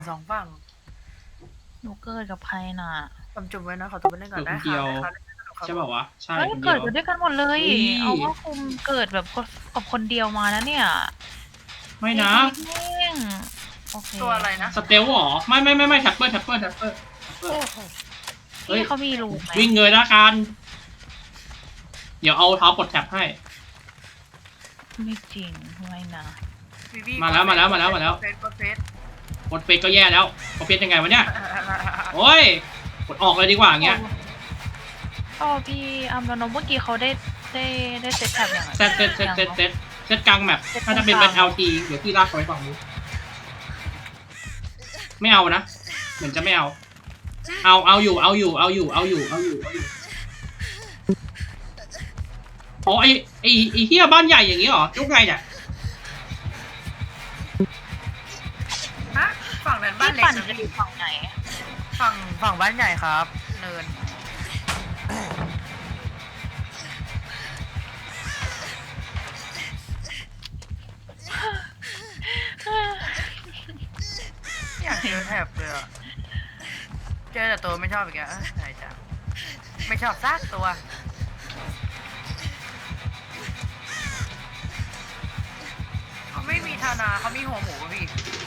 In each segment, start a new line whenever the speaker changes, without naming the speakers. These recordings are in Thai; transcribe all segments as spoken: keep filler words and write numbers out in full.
สองฝั่ง
หนูเกิดกับใครน่ะ
ผมจุ่มไว้นะขอตัวไปเล่นก่อนได้ค่ะ
ใช่ป่าวะใช่คนเดี
เกิ
ย
ด
ว
กันด้วยกันหมดเลย เอาว่าคุมเกิดแบบกับคนเดียวมานะเนี่ย
ไม่นะ
โอเค
ตัวอะไรนะ
สเตลหรอไม่ไม่ไม่ไม่แท็ปเปอร์แท็ปเปอร์แท็ปเปอร์
เฮ้ยเขามีรูไหม
วิ่งเงยนะการเดี๋ยวเอาเท้าปลดแท็บให้
ไม่จริงไม่นะ
มาแล้วมาแล้วมาแล้วมาแล้ว
กดเฟส
กดเฟซก็แย่แล้วกดเฟซยังไงวะเนี่ยโอ้ยกดออกเลยดีกว่าอย่างเงี้ย
อ๋อพี่อัมโนเมื่อกี้เขาได้ได้ได้เซตแท็บอย่างไร
เซตเซตเซตเซตเซตเซตกลางแมปถ้าจะเป็นเป็น แอล ที เดี๋ยวพี่ลากไปฝั่งนู้นไม่เอานะเหมือนจะไม่เอาเอาเอาอยู่เอาอยู่เอาอยู่เอาอยู่เอาอยู่เอาอยู่อ๋อไอไอไอเฮียบ้านใหญ่อย่างงี้เหรอยุกไงเนี่ย
ฮะฝั่งนั้นบ้านเล็ก
จะอยู่ฝั่งไหน
ฝั่งฝั่งบ้านใหญ่ครับเนินอยากเจอแถบเลยอ่ะเจอแต่ตัวไม่ชอบอีกอ่ะใช่จ้ะไม่ชอบซากตัวเขาไม่มีธนาเขามีหัวหมูพี่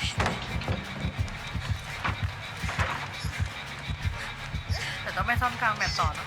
แต่ต้องไปซ่อมกลางแบบต่อนะ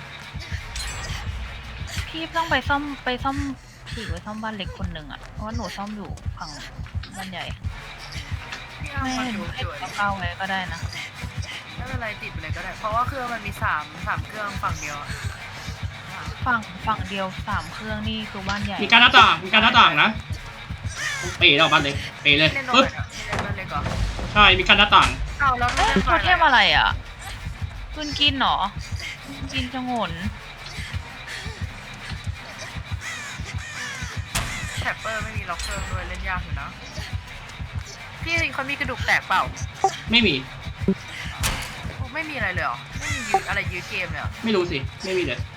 พี่ต้องไปซ่อมไปซ่อมผีไว้ซ่อมบ้านเล็กคนหนึ่งอ่ะเพราะว่าหนูซ่อมอยู่ฝั่งบ้านใหญ่ไม่หนูให้เข้าไว้ก็ได้นะ
ไม่เป็นไรติดไปเลยก็ได้เพราะว่าเครื่องมันมีสามสามเครื่องฝั่งเดียว
ฝั่งฝั่งเดียวสามเครื่องนี่คือบ้านใหญ่
มีการหน้าต่างมีการหน้าต่างนะเป๋แล้วบ้านเล็กเป๋เลยปึ๊บใช่มีการหน้าต่าง
เอาแล้ว
เขาเทพอะไรอ่ะคุณกินหรอกินจงน
แท็ปเปอร์ไม่มีล็อกเครื่องด้วยเล่นยากอยู่นะพี่เขามีกระดูกแตกเปล่า
ไม่มี
ไม่มีอะไรเลยเหรอไม่มียืดอะไรยืดเกมเลยเหรอ
ไม่รู้สิไม่มีเลย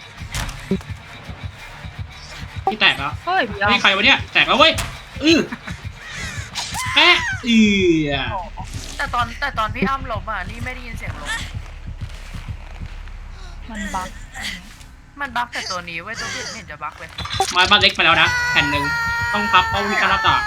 พี่แตกแล้ว
เฮ้ย
นี่ใครวะเนี่ยแตกแล้วเว้ยอือแอะอือ
แต่ตอนแต่ตอนพี่อ้ำล้มอ่ะนี่ไม่ได้ยินเสียงล้ม
มันบั๊ก
มันบั๊กแต่ตัวนี้เว้ยตัวอื่นไม่เห็นจะบั๊กเลย
มาบ้านเล็กไปแล้วนะแผ่นหนึ่งต้องพับเพราะมีการหน้าต่าง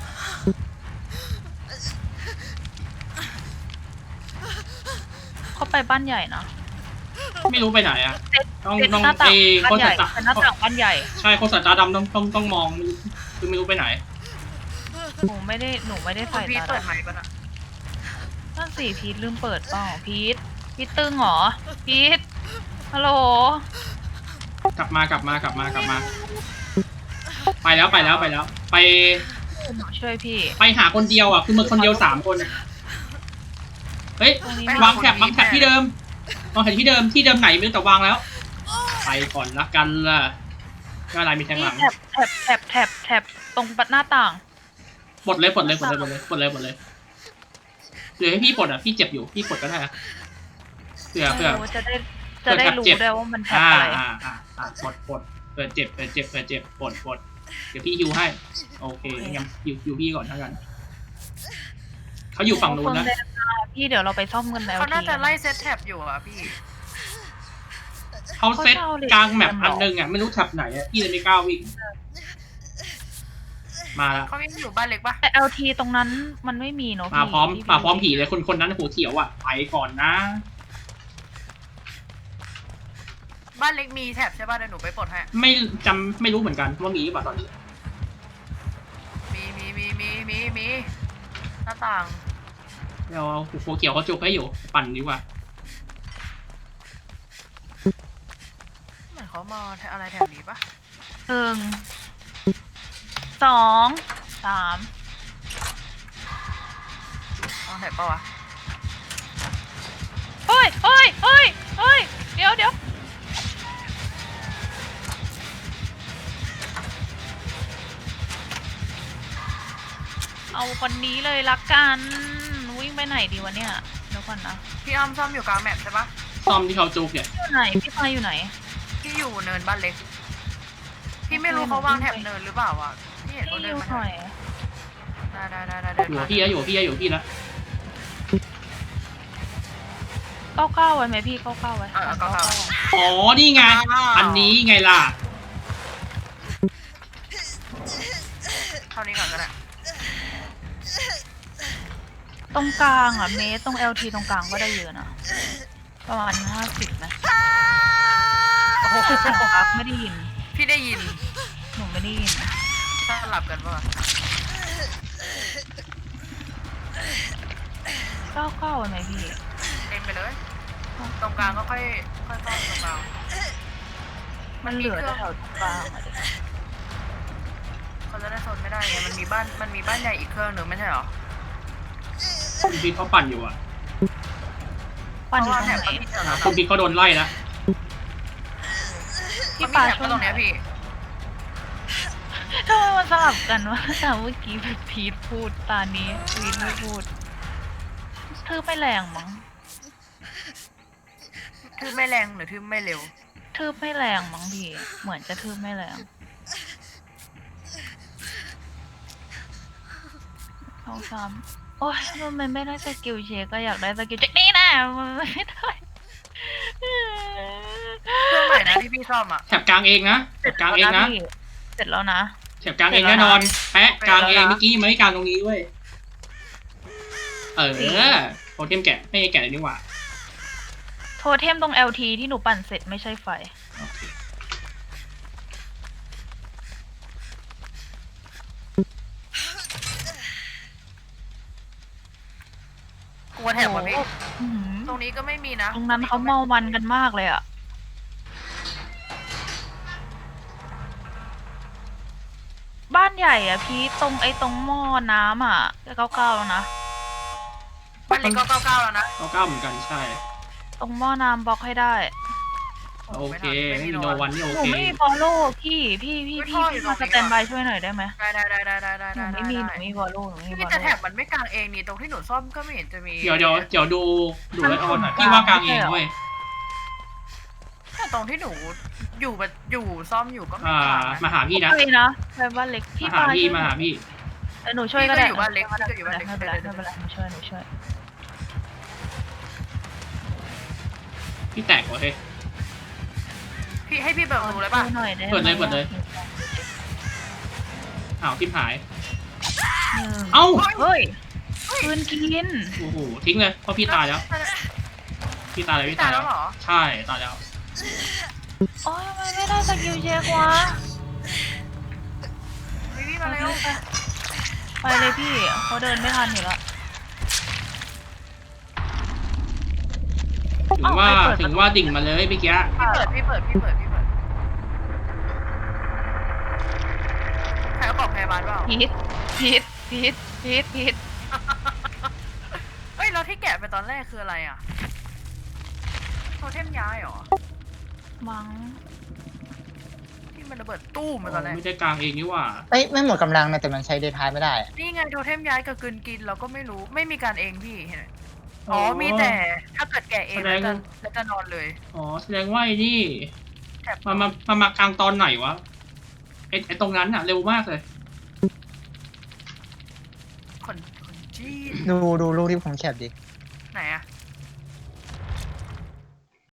เขาไปบ้านใหญ่นะ
ไม่รู้ไปไหนอ่ะต้องต้อง
เอ
โคตรตา
หน้าต่างบ้านใหญ่
ใช่โคตรตาดำต้องต้องต้องมองคือไม่รู้ไปไหน
หนูไม่ได้หนูไม่ได้ใส่
ตาเปิดใหม่ปะนะ
นั่นสิพีทลืมเปิดเปล่าพีทพีทตึงเหรอพีทฮัลโหล
กลับมากลับมากลับมากลับมาไปแล้วไปแล้วไปแล้วไป
ช่วยพี่
ไปหาคนเดียวอ่ะคือมึงคนเดียวสามคนเฮ้ยวางแถบวางแถบที่เดิมวางแถบที่เดิมที่เดิมไหนไม่รู้แต่วางแล้วไปก่อนละกันล่ะก็อะไรมีแทงหลัง
แถบแถบแถบแถบแถบตรงปัดหน้าต่าง
ปลดเลยปลดเลยปลดเลยปลดเลยปลดเลยปลดเลยเดี๋ยวให้พี่ปลดอ่ะพี่เจ็บอยู่พี่ปลดก็ได้นะเผื่อเผื่อ
จะได้จะได้รู้ได้ว่ามันแถบอะไร
อ่าอ่าอ่าปลดปลดเผื่อเจ็บเผื่อเจ็บเผื่อเจ็บปลดปลดเดี๋ยวพี่ฮิวให้โอเคงั้นฮิวฮิวพี่ก่อนเท่ากันเขาอยู่ฝั่งนู้นนะ
พี่เดี๋ยวเราไปซ่อมกันแล้ว
เขาน่าจะไล่เซตแท็บอยู่อ่ะพี่
เขาเซตกลางแมปอันนึงอ่ะไม่รู้แท็บไหนอ่ะพี่เลยไม่กล้าวิ่งมาแล้ว
เขาไม่อยู่บ้านเล็กปะ
แต่ แอล ที ตรงนั้นมันไม่มีเนาะ
มาพร้อมมาพร้อมผีเลยคนคนนั้นหัวเขียวอ่ะไปก่อนนะ
บ้านเล็กมีแท็บใช่ป่ะเดี๋ยวหนูไปปลดให้
ไม่จำไม่รู้เหมือนกันว่ามีหรือเปล่าตอนนี้
มีมีมีมีมีมีหน้าต่าง
เดี๋ยวหัวเขียวเขาจุกให้อยู่ปั่นดีกว่า
เหมือนเขามาอะไรแถวนี้ปะ
หนึ่งสองสาม
เอาแถบปะวะ
เฮ้ยเฮ้ยเฮ้ยเฮ้ยเดี๋ยวเดี๋ยวเอาคนนี้เลยละกันวิ่งไปไหนดีวะเนี่ยเดี๋ยวก่อนนะ
พี่อ้อมซ่อมอยู่กลางแมปใช่ปะ
ซ่อมที่เขาจุกเนี่ย
อยู่ไหนพี่พายอยู่ไหน
พี่อยู่เนินบ้านเล็กพี่ไม่รู้เขาวางแถบเนินหรือเปล่าอ่ะพี่เห็นเขาเดินมาได้ได้ได้ได้
อยู่พี่แล้วอยู่พี่แล้วอยู่พี่แล้ว
เก้าเก้าไว้ไหมพี่เก้าเก้าไว้
เออเก้าเก้า
อ๋อนี่ไงอันนี้ไงล่ะ
เท่านี้ก่อนก็ได้
ตรงกลางอ่ะเมตรตรง แอล ที ตรงกลางก็ได้เยอะนะประมาณห้าสิบนะ
โอ้โห
ครับไม่ได้ยิน
พี่ได้ยิน
หนูไม่ได้ยิน
สลับกันป่ะ
เก้าเก้าไว้ไหมพี่
เองไปเลย ตรงกลางก็ค่อยค่อยเข้าตรงกลาง
มันเหลือแต่แถวตรงกลางอะเด็ก
เขาจะได้โซนไม่ได้ไงมันมีบ้านมันมีบ้านใหญ่อีกเครื่องหนึ่งไม่ใช่เหรอ
คุณพีทเขาปั่นอยู่อ่ะ
ปั่น
เพ
อยู่
ราะ
ตร
ว่าง แถบ
ไหน
ก็มีแถว
อ่า
นั้น
คุณพีทเขาโดนไล่แล้ว
พี่
มันมี
ปา
แถบ
ช่วย
ก็ตรงเนี้ยพี่
ทำไมมันสลับกันวะแต่เมื่อกี้พีทพูดตานี้พีทไม่พูดทืบไม่แรงมั้ง
ทืบไม่แรงหรือทืบไม่เร็ว
ทืบไม่แรงมั้งพี่ เหมือนจะทืบไม่แรงสองสามโอ้ยมันไม่ได้สกิลเชคก็อยากได้สกิลเช็คนี่นะมันไม่ได้
เครื่องไหนนะที่พี่ชอบอ่ะ
แถบกลางเองนะแถบกลางเองนะ
พี่เสร็จแล้วนะ
แถบกลางเองแน่นอนแปะกลางเองเมื่อกี้ไม่กลางตรงนี้เว้ยเออโปรเทมแกะไม่ใช่แกะเลยนี่หว่า
โทเทมตรง แอล ที ที่หนูปั่นเสร็จไม่ใช่ไฟ
โอเค
กลัวแถบว่ะพี่
อื้อหือ
ตรงนี้ก็ไม่มีนะ
ตรงนั้นเขาเมามันกันมากเลยอะบ้านใหญ่อะพี่ตรงไอ้ตรงหม้อน้ำอะเก้าเก้าแล้วนะ
บ้านเล็กก็เก้าเก้าแล้วนะ
เก้าเก้าเหมือนกันใช่
ตรงหม้อน้ำบล็อกให้ได้
โอเคไม่มีโนวันนี่โอ
หนู
เค
ไม่มีฟอลโล่พี่พี่พี่พี่พี่มาสแตนบายช่วยหน่อยได้ไหม
ได้ได้ได้ได้ได้ได้
หนู
ได้
ไม่มีหนู
ได้
ไม่มีฟอลโล่หนูไม่มีฟ
พี่
อล
แต่แถ
โล่
บมันไม่กลางเองนี่ตรงที่หนูซ่อมก็ไม่เห็นจะมี
เดี๋ยวเดี๋ยวเดี๋ยวดูดูไอออนหน่อยพี่ว่ากลางเองเว้ย
แต่ตรงที่หนูอยู่แบบอยู่ซ่อมอยู่ก็ไม่
อ่าก
ลางนะ
มาหาพี่นะ
ช่วยนะไปบ้านเล็กพี่
มาหา
ปา
พี่
ช่วย
มาหาพี่
เออหนูช่วยก็ได้
พี่ก็อยู่บ้านเล็กพี่ก็อยู่บ้านเล็ก
ไม่เป็นไรไม่เป็นไรหนูช่วยหนูช่วย
พี่แตกเหรอเฮ้ย
พี่ให้พี่เบิกดูเลยป่ะ
ช่วยหน่อยได้ไหม
เปิดเลยเปิดเลย อ้าวทิมหาย
หนึ่ง
เอ้า
เฮ้ยคืนกิน
โอ้โหทิ้งเลยเพราะพี่ตายแล้ว พี่ตายแล้ว
พี่
พี่
ตา
ตาย ย
แล้
แล้ว ว
เหรอ
ใช่ตายแล้ว
โอ้ยทำไมไม่ได้สกิลเช็ควะ
พี่พี่มาเร็ว
ไปเลยพี่เขาเดินไม่ทันอยู่แล้ว
ถึงว่าถึงว่าดิ่งมาเลยเมื่อกี้
พี่เปิดพี่เปิดพี่เปิดพี่เปิดใครเอากล่องพยาบาลเปล่า
พีทพีทพีทพีทพีท
เฮ้ยแล้วที่แกะไปตอนแรกคืออะไรอ่ะโทเทมย้ายเหรอ
มั้ง
ที่มันระเบิดตู้มมาตอนแรก
ไม่ได้กลางเองนี่หว่า
เอ้ยไม่หมดกำลังนะแต่มันใช้เดทไทม์ไม่ได้อะ
นี่ไงโทเทมย้ายกับกลืนกินเราก็ไม่รู้ไม่มีการเองพี่เห็นไหมอ๋อมีแต่ถ้าเกิดแกะเองแล้วจะแล้วจะนอนเลย
อ๋อแสดงว่าไอ้นี่
แถบ
มามามามากลางตอนไหนวะไอไอตรงนั้นอะเร็วมากเลย
คนคนจีน
ดูดูรูปที่ผมแคปดิ